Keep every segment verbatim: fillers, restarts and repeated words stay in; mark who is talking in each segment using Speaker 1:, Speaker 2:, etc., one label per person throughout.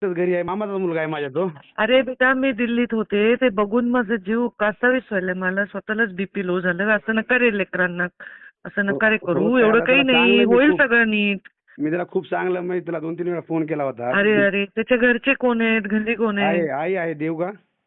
Speaker 1: एकटाच घरी आहे, मामाचा मुलगा आहे माझ्या तो.
Speaker 2: अरे बेटा मी दिल्लीत होते, ते बघून माझा जीव कासावीस व्हायला, मला स्वतःलाच बीपी लो झालं. असं नका रे लेकरांना, असं
Speaker 1: हो
Speaker 2: नका रे
Speaker 1: हो
Speaker 2: करू, एवढं
Speaker 1: त्याला
Speaker 2: काही
Speaker 1: त्याला
Speaker 2: नाही,
Speaker 1: चांगलं मी
Speaker 2: होईल
Speaker 1: खूप
Speaker 2: सगळं नीट.
Speaker 1: मी त्याला खूप चांगलं म्हणजे तुला दोन तीन वेळा फोन केला होता.
Speaker 2: अरे अरे त्याच्या घरचे कोण आहेत, घरी कोण
Speaker 1: आहे
Speaker 2: आहे?
Speaker 1: आई आहे देवगा.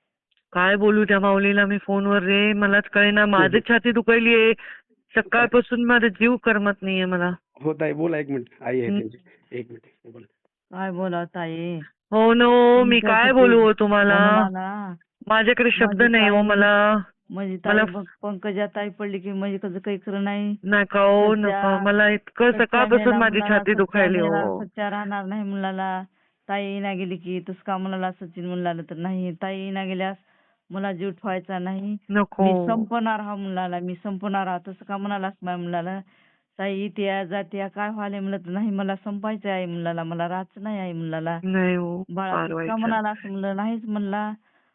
Speaker 2: काय बोलू त्या माऊलीला मी फोनवर रे, मलाच कळेना, माझी छाती दुखायली आहे सकाळपासून, माझा जीव करमत नाहीये मला.
Speaker 1: हो ताई बोला, एक मिनिट आई आहे
Speaker 2: हं.
Speaker 1: त्यांची, एक मिनिट बोला.
Speaker 3: काय बोला ताई,
Speaker 2: हो नो, मी काय
Speaker 3: तुमच्यासाठी
Speaker 2: बोलू हो तुम्हाला,
Speaker 3: म्हणून ना
Speaker 2: माझ्याकडे शब्द
Speaker 3: माझी
Speaker 2: नाही हो
Speaker 3: ताई-
Speaker 2: मला.
Speaker 3: माझी
Speaker 2: मला
Speaker 3: ताई बघ, पंकजा ताई पडली की म्हणजे कसं काही खरं नाही.
Speaker 2: नका हो
Speaker 3: सच्चा-
Speaker 2: नका, मला इतकं
Speaker 3: सच्चा
Speaker 2: सकाळपासून
Speaker 3: मेला
Speaker 2: माझी
Speaker 3: मुलाला,
Speaker 2: छाती
Speaker 3: सच्चा
Speaker 2: दुखायली
Speaker 3: मेला,
Speaker 2: हो.
Speaker 3: सच्चा राहणार नाही मुलाला. ताई ना गेली की तस का मुलाला सचिन मुलाला तर नाही, ताई ना गेल्यास मला जीव ठेवायचा नाही,
Speaker 2: नको
Speaker 3: मी संपणार हा मुलाला, मी संपणार हा, तसं का म्हणालास माझ्या मुलाला. ताई इथे जाते काय व्हायला म्हणलं तर नाही, मला संपायचं आहे मुलाला, मला राहायचं नाही आहे मुलाला.
Speaker 2: नाही हो,
Speaker 3: बाळा
Speaker 2: फार
Speaker 3: तू
Speaker 2: वाईट
Speaker 3: का
Speaker 2: झालं.
Speaker 3: म्हणाला असं म्हणलं, नाहीच म्हणला.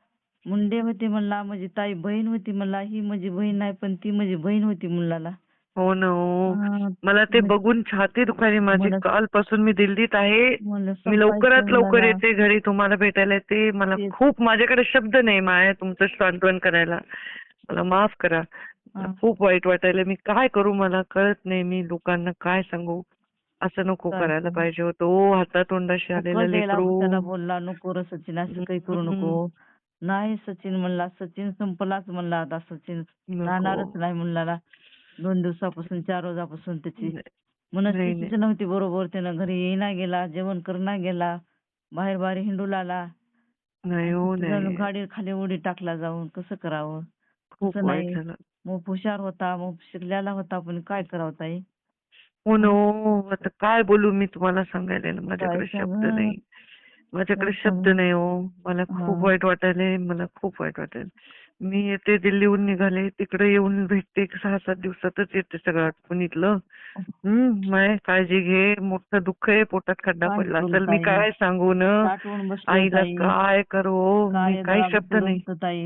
Speaker 3: मुंडे होते म्हणला, माझी ताई बहीण होती म्हणला, ही माझी बहीण नाही पण ती माझी बहीण होती मुलाला.
Speaker 2: हो ना हो,
Speaker 3: हा,
Speaker 2: मला ते
Speaker 3: मग-
Speaker 2: बघून छाती दुखायली माझी.
Speaker 3: मला-
Speaker 2: कालपासून मी दिल्लीत आहे,
Speaker 3: मला
Speaker 2: मी
Speaker 3: संपायचं
Speaker 2: लवकरात लवकर
Speaker 3: मुलाला.
Speaker 2: येते घरी तुम्हाला भेटायला येते. मला
Speaker 3: तेच.
Speaker 2: खूप, माझ्याकडे शब्द नाही माया तुमचं सांत्वन करायला, मला माफ करा. मला
Speaker 3: हा.
Speaker 2: खूप वाईट वाटायला, मी काय करू मला कळत नाही, मी लोकांना काय सांगू. असं नको
Speaker 3: काय
Speaker 2: करायला
Speaker 3: सांगू?
Speaker 2: पाहिजे होतं ओ, हातातोंडाशी आलेलं
Speaker 3: कळलेला
Speaker 2: लेकरू.
Speaker 3: त्याला बोलला, नको रे सचिन असं काही करू नको. नाही सचिन म्हणला, सचिन संपलाच म्हणला आता, सचिन
Speaker 2: नको.
Speaker 3: राहणारच नाही मुलाला. दोन दिवसापासून चार रोजापासून त्याची
Speaker 2: नाही,
Speaker 3: मनस्थितीच नव्हती बरोबर, त्यानं घरी येईना गेला, जेवण करणा गेला, बाहेर बाहेर हिंडू लागला.
Speaker 2: नाही हो नाही,
Speaker 3: गाडी खाली उडी टाकला जाऊन, कसं करावं.
Speaker 2: खूप
Speaker 3: तसं
Speaker 2: वाईट
Speaker 3: नाही,
Speaker 2: झालं.
Speaker 3: मग हुशार होता, मग शिकलेला होता, पण काय करावं ताई.
Speaker 2: हो ना हो, आता काय बोलू मी तुम्हाला सांगायला ना, माझ्याकडे
Speaker 3: काय
Speaker 2: शब्द
Speaker 3: सांगू?
Speaker 2: नाही, माझ्याकडे
Speaker 3: काय
Speaker 2: शब्द
Speaker 3: सांगू?
Speaker 2: नाही हो. मला खूप
Speaker 3: हा.
Speaker 2: वाईट वाटायलंय, मला खूप वाईट वाटायलंय. मी येते दिल्लीहून निघाले, तिकडे येऊन भेटते, सहा सात दिवसातच येते सगळं आटपून इथलं. हम्म, माय काळजी घे, मोठं दुःख आहे, पोटात खड्डा
Speaker 3: काय
Speaker 2: पडला
Speaker 3: करू
Speaker 2: असेल, मी
Speaker 3: ताई?
Speaker 2: काय सांगू न
Speaker 3: साठवून बसलो
Speaker 2: आईला,
Speaker 3: ताई.
Speaker 2: काय करू, मी
Speaker 3: काय
Speaker 2: काही
Speaker 3: जरा
Speaker 2: शब्द नाही.
Speaker 3: ताई.